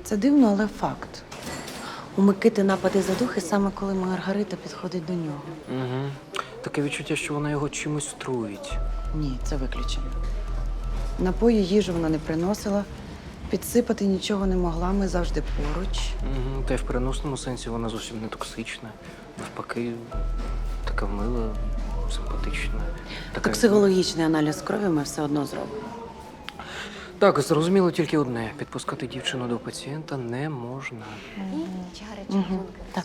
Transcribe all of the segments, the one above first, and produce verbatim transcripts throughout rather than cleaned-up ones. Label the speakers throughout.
Speaker 1: Це дивно, але факт. У Микити напади задухи саме коли Маргарита підходить до нього.
Speaker 2: Угу. Таке відчуття, що вона його чимось труїть.
Speaker 1: Ні, це виключено. Напої їжу вона не приносила, підсипати нічого не могла, ми завжди поруч.
Speaker 2: Угу. Та й в переносному сенсі вона зовсім не токсична. Навпаки, така мила, симпатична. Така...
Speaker 1: Токсикологічний аналіз крові ми все одно зробимо.
Speaker 2: Так, зрозуміло тільки одне. Підпускати дівчину до пацієнта не можна.
Speaker 1: Угу. Так.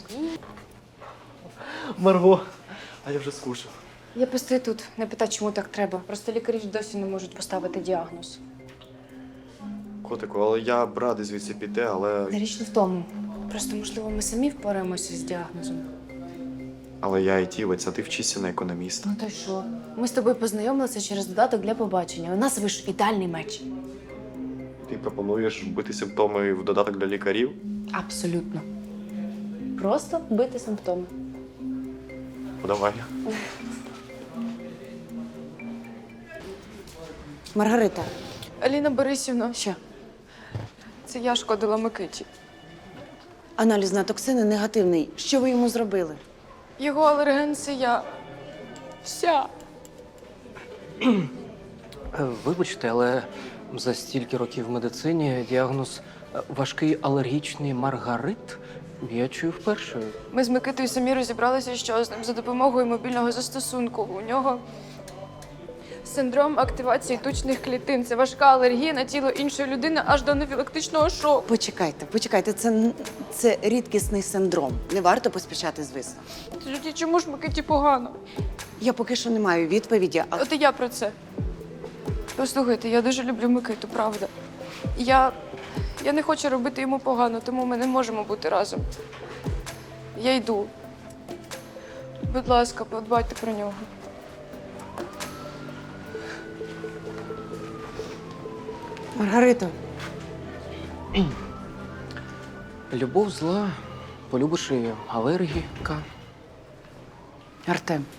Speaker 3: Марго, а я вже скучив.
Speaker 4: Я постою тут, не питаю, чому так треба. Просто лікарі ж досі не можуть поставити діагноз.
Speaker 3: Котику, але я б радий звідси піти, але.
Speaker 4: Річ не в тому. Просто, можливо, ми самі впораємося з діагнозом.
Speaker 3: Але я айтівець, а ти вчишся на економіста.
Speaker 4: Ну то й що? Ми з тобою познайомилися через додаток для побачення. У нас вийшов ідеальний меч.
Speaker 3: Ти пропонуєш вбити симптоми в додаток для лікарів?
Speaker 4: Абсолютно. Просто вбити симптоми.
Speaker 3: Ну, давай.
Speaker 1: Маргарита,
Speaker 5: Аліна Борисівна,
Speaker 1: що?
Speaker 5: це я шкодила Микиті.
Speaker 1: Аналіз на токсини негативний. Що ви йому зробили?
Speaker 5: Його алерген – це я. Вся.
Speaker 2: Е, Вибачте, але за стільки років в медицині діагноз е, важкий алергічний маргарит я чую вперше.
Speaker 5: Ми з Микитою самі розібралися, що з ним за допомогою мобільного застосунку. У нього синдром активації тучних клітин. Це важка алергія на тіло іншої людини аж до анафілактичного шоку.
Speaker 1: Почекайте, почекайте, це, н- це рідкісний синдром. Не варто поспішати з висновком.
Speaker 5: Тоді чому ж Микиті погано?
Speaker 1: Я поки що не маю відповіді, але
Speaker 5: От і я про це. Послухайте, я дуже люблю Микиту, правда. Я, я не хочу робити йому погано, тому ми не можемо бути разом. Я йду. Будь ласка, подбайте про нього.
Speaker 1: Маргарита,
Speaker 2: Любов зла, полюбиш і алергіка.
Speaker 1: Артем,